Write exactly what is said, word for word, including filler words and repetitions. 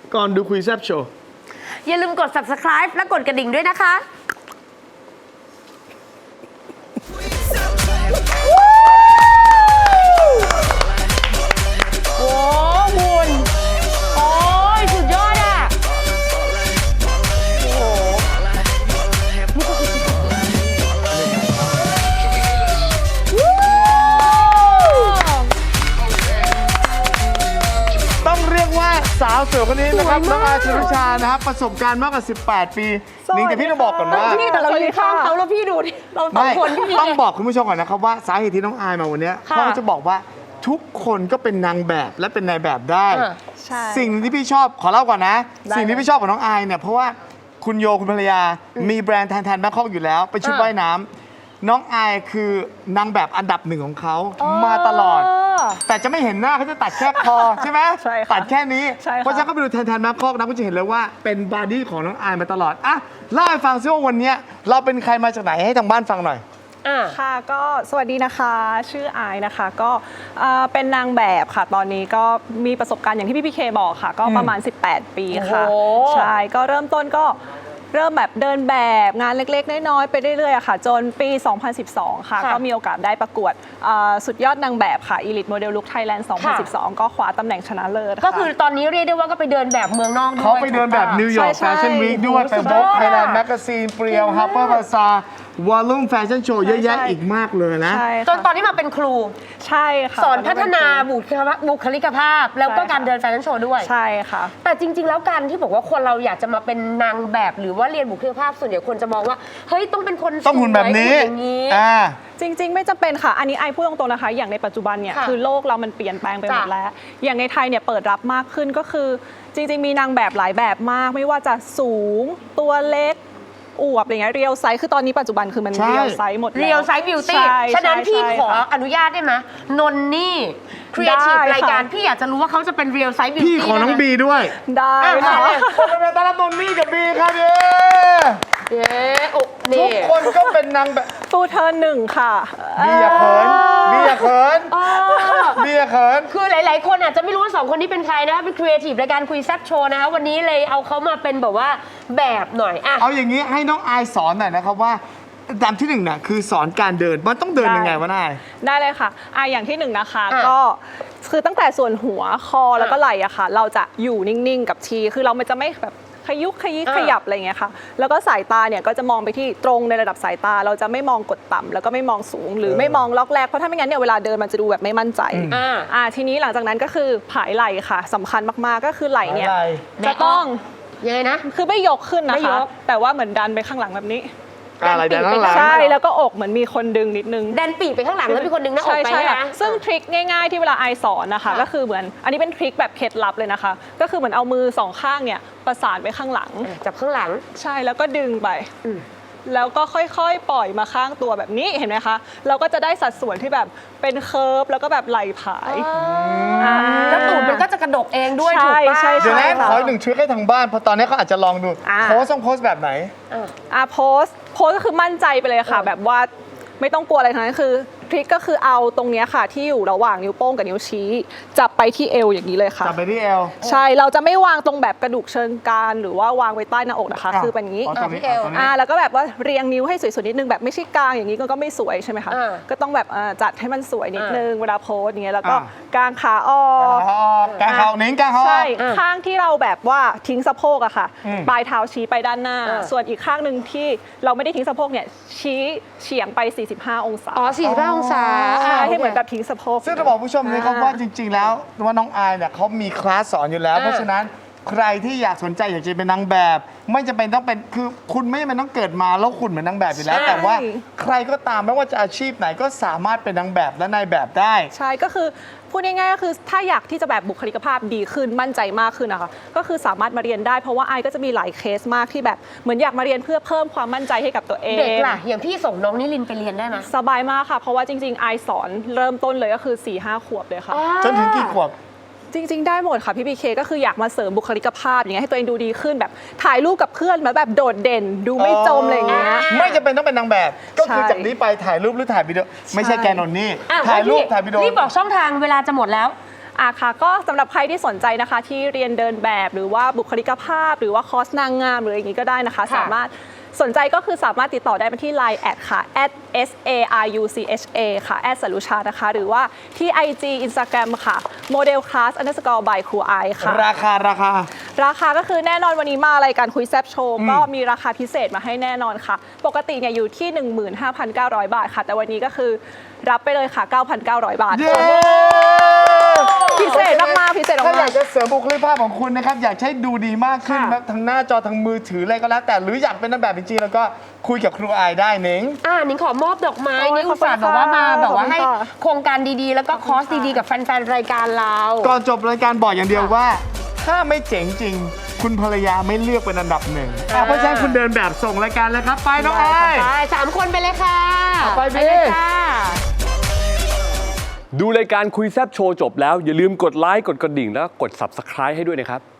ก่อนดูคุยแซ่บโชว์อย่าลืมกด ซับสไครบ์ และกดกระดิ่งด้วยนะคะโอ้คุณโอ้ยสุดยอดอ่ะโอ้โหต้องเรียกว่าสาวสวยคนนี้นะครับน้องอาชรุชานะครับประสบการณ์มากกว่าสิบแปดปีนิ้งแต่พี่ต้องบอกก่อนว่าพี่แต่เรายืนข้างเขาแล้วพี่ดูดิเราสองคนพี่ต้องบอกคุณผู้ชมก่อนนะครับว่าสาเหตุที่น้องอายมาวันนี้เขาจะบอกว่าทุกคนก็เป็นนางแบบและเป็นนายแบบได้สิ่งที่พี่ชอบขอเล่าก่อนนะ สิ่งที่พี่ชอบของน้องอายเนี่ยเพราะว่าคุณโยคุณภรรยามีแบรนด์แทนแทนแบงคอกอยู่แล้วเป็นชุดว่ายน้ำน้องอายคือนางแบบอันดับหนึ่งของเขามาตลอดแต่จะไม่เห็นหน้าเขาจะตัดแค่คอใช่ไหมตัดแค่นี้เพราะฉะนั้นก็ไปดูแทนแทนแบงคอกนะก็จะเห็นเลยว่าเป็นบอดี้ของน้องอายมาตลอดอ่ะเล่าให้ฟังซิว่าวันนี้เราเป็นใครมาจากไหนให้ทางบ้านฟังหน่อยค่ะก็สวัสดีนะคะชื่ออายนะคะก็เป็นนางแบบค่ะตอนนี้ก็มีประสบการณ์อย่างที่พี่พีเคบอกค่ะก็ประมาณสิบแปดปีค่ะใช่ก็เริ่มต้นก็เริ่มแบบเดินแบบงานเล็กๆน้อยๆไปเรื่อยๆค่ะจนปี สองพันสิบสอง ค่ะก็มีโอกาสได้ประกวดสุดยอดนางแบบค่ะ Elite Model Look Thailand สองพันสิบสอง ก็คว้าตำแหน่งชนะเลิศก็คือตอนนี้เรียกได้ว่าก็ไปเดินแบบเมืองนอกด้วยเขาไปเดินแบบนิวยอร์กแฟชั่นวีคด้วยไปโบกไทยแลนด์แมกกาซีนเปรียวฮับเปอร์บาซาร์วอลลุ่มแฟชั่นโชว์เยอะแยะอีกมากเลยนะจนตอนนี้มาเป็นครูใช่ค่ะสอนพัฒนาบุคลิกภาพแล้วก็การเดินแฟชั่นโชว์ด้วยใช่ค่ะแต่จริงๆแล้วการที่บอกว่าคนเราอยากจะมาเป็นนางแบบหรือว่าเรียนบุคลิกภาพส่วนใหญ่คนจะมองว่าเฮ้ยต้องเป็นคนต้องหุ่นแบบนี้อ่าจริงๆไม่จำเป็นค่ะอันนี้ไอพูดตรงๆนะคะอย่างในปัจจุบันเนี่ยคือโลกเรามันเปลี่ยนแปลงไปหมดแล้วอย่างในไทยเนี่ยเปิดรับมากขึ้นก็คือจริงๆมีนางแบบหลายแบบมากไม่ว่าจะสูงตัวเล็กอวบอะไรเงี้ยเรียวไซส์คือตอนนี้ปัจจุบันคือมันเรียวไซส์หมดเรียวไซส์บิวตี้ฉะนั้นพี่ขออนุญาตได้ไหมนนนี่ครีเอทีฟรายการพี่อยากจะรู้ว่าเขาจะเป็นเรียวไซส์บิวตี้พี่ขอน้องบีด้วยได้ค่ะคนเป็นตาลนนนี่กับบีครับเย้เย้ทุกคนก็เป็นนางแบบฟูเธอหนึ่งค่ะบีอย่าเขินบีอย่าเขินบีอย่าเขินคือหลายๆคนอาจจะไม่รู้ว่าสองคนนี้เป็นใครนะคะเป็นครีเอทีฟรายการคุยแซ่บโชว์นะคะวันนี้เลยเอาเขามาเป็นแบบว่าแบบหน่อยอ่ะเอาอย่างนี้ให้น้องอายสอนหน่อยนะครับว่าตามที่หนึ่งน่ะคือสอนการเดินมันต้องเดินยังไงวะนายได้เลยค่ะอ่ะอย่างที่หนึ่งนะคะก็คือตั้งแต่ส่วนหัวคอแล้วก็ไหล่อะค่ะเราจะอยู่นิ่งๆกับทีคือเราไม่จะไม่แบบขยุกขยิกขยับอะไรเงี้ยค่ะแล้วก็สายตาเนี่ยก็จะมองไปที่ตรงในระดับสายตาเราจะไม่มองกดต่ำแล้วก็ไม่มองสูงหรือไม่มองล็อกแรกเพราะถ้าไม่งั้นเนี่ยเวลาเดินมันจะดูแบบไม่มั่นใจอ่าทีนี้หลังจากนั้นก็คือผายไหล่ค่ะสำคัญมากๆก็คือไหล่เนี่ยจะต้องยังไงนะคือไม่ยกขึ้นนะคะแต่ว่าเหมือนดันไปข้างหลังแบบนี้อะไรดันข้างหลังใช่แล้วก็อกเหมือนมีคนดึงนิดนึงดันปีกไปข้างหลังแล้วมีคนดึงหน้าอกไปนะซึ่งทริคง่ายๆที่เวลาไอสอนนะคะก็คือเหมือนอันนี้เป็นทริคแบบเคล็ดลับเลยนะคะก็คือเหมือนเอามือสองข้างเนี่ยประสานไปข้างหลังจับข้างหลังใช่แล้วก็ดึงไปแล้วก็ค่อยๆปล่อยมาข้างตัวแบบนี้เห็นไหมคะเราก็จะได้สัดส่วนที่แบบเป็นเคิร์ฟแล้วก็แบบไหล่ผายแล้วตูดมันก็จะกระดกเองด้วยถูกป่ะเดี๋ยวนะขออีกหนึ่งทริคให้ทางบ้านเพราะตอนนี้เขาอาจจะลองดูโพสต้องโพสแบบไหนอ่าโพสโพสก็คือมั่นใจไปเลยค่ะแบบว่าไม่ต้องกลัวอะไรทั้งนั้นคือทริคก็คือเอาตรงนี้ค่ะที่อยู่ระหว่างนิ้วโป้งกับนิ้วชี้จับไปที่เอวอย่างนี้เลยค่ะจับไปที่เอวใช่เราจะไม่วางตรงแบบกระดูกเชิงกรานหรือว่าวางไว้ใต้หน้าอกนะคะคือเป็นอย่างนี้อ่าแล้วก็แบบว่าเรียงนิ้วให้สวยๆนิดนึงแบบไม่ใช่กลางอย่างนี้ก็ไม่สวยใช่ไหมคะก็ต้องแบบจัดให้มันสวยนิดนึงเวลาโพสอย่างเงี้ยแล้วก็กางขาออกกางขานิ้งกางขาใช่ข้างที่เราแบบว่าทิ้งสะโพกอะค่ะปลายเท้าชี้ไปด้านหน้าส่วนอีกข้างหนึ่งที่เราไม่ได้ทิ้งสะโพกเนี่ยชี้เฉียงไปสี่สิบห้าองศาอ๋อสี่สิบห้าองศาให้เหมือนแบบทิ้งสะโพกซึ่งจะบอกผู้ชมเลยครับว่าจริงๆแล้วว่าน้องอายเนี่ยเขามีคลาสสอนอยู่แล้วเพราะฉะนั้นใครที่อยากสนใจอยากจะเป็นนางแบบไม่จำเป็นต้องเป็นคือคุณไม่จำเป็นต้องเกิดมาแล้วคุณเหมือนนางแบบอยู่แล้วแต่ว่าใครก็ตามไม่ว่าจะอาชีพไหนก็สามารถเป็นนางแบบและนายแบบได้ใช่ก็คือพูดง่ายๆก็คือถ้าอยากที่จะแบบบุคลิกภาพดีขึ้นมั่นใจมากขึ้นนะคะก็คือสามารถมาเรียนได้เพราะว่าไอก็จะมีหลายเคสมากที่แบบเหมือนอยากมาเรียนเพื่อเพิ่มความมั่นใจให้กับตัวเองเด็กล่ะอย่างพี่ส่งน้องนิลินไปเรียนได้ไหมสบายมากค่ะเพราะว่าจริงๆไอสอนเริ่มต้นเลยก็คือ สี่ห้า ขวบเลยค่ะจนถึงกี่ขวบจริงๆได้หมดค่ะพี่พีเคก็คืออยากมาเสริมบุคลิกภาพอย่างเงี้ยให้ตัวเองดูดีขึ้นแบบถ่ายรูปกับเพื่อนมาแบบโดดเด่นดูไม่จมอะไรเงี้ยไม่จำเป็นต้องเป็นนางแบบก็คือจากนี้ไปถ่ายรูปหรือถ่ายวิดีโอไม่ใช่แกนนนี่ถ่ายรูปถ่ายวิดีโอรีบบอกช่องทางเวลาจะหมดแล้วอ่ะค่ะก็สำหรับใครที่สนใจนะคะที่เรียนเดินแบบหรือว่าบุคลิกภาพ หรือว่าคอร์สนางงามหรืออย่างนี้ก็ได้นะคะค่ะสามารถสนใจก็คือสามารถติดต่อได้มาที่ ไลน์ แอดค่ะ แอด เอส เอ อาร์ ยู ซี เอช เอ ค่ะ แอดสรุชานะคะ หรือว่าที่ ไอ จี Instagram ค่ะ Model Class Underscore by ครูไอค่ะราคาราคาราคาก็คือแน่นอนวันนี้มารายการคุยแซบโชว์ก็มีราคาพิเศษมาให้แน่นอนค่ะ ปกติเนี่ยอยู่ที่ หนึ่งหมื่นห้าพันเก้าร้อย บาทค่ะ แต่วันนี้ก็คือรับไปเลยค่ะ เก้าพันเก้าร้อย บาทเย้พิเศษมากๆพิเศษถ้าอมายาก กจะเสริมบุคลิกภาพของคุณนะครับ อยากให้ดูดีมากขึ้นค่ะแบบทางหน้าจอทางมือถืออะไรก็แล้ว แต่หรืออยากเป็นนางแบบจริงๆแล้วก็คุยกับครูอายได้เน้งอ่านิ้งขอมอบดอกไม้โอ้ยนิ้งอุตส่าห์ขอบแบคุณบว่ามาค่ะแบบว่าขอบคุณให้ค่ะโครงการดีๆ แล้วก็คอร์สดีๆ กับแฟนๆ รายการเราก่อนจบรายการบอกอย่างเดียวว่า ถ้าไม่เจ๋งจริง คุณภรรยาไม่เลือกเป็นอันดับหนึ่งอ่ะเพราะฉะนั้นคุณเดินแบบส่งรายการเลยครับ ไปน้องอายไปสามคนไปเลยค่ะไปพี่เลยค่ะดูรายการคุยแซบโชว์จบแล้ว อย่าลืมกดไลค์กดกระดิ่งแล้วก็กด ซับสไครบ์ ให้ด้วยนะครับ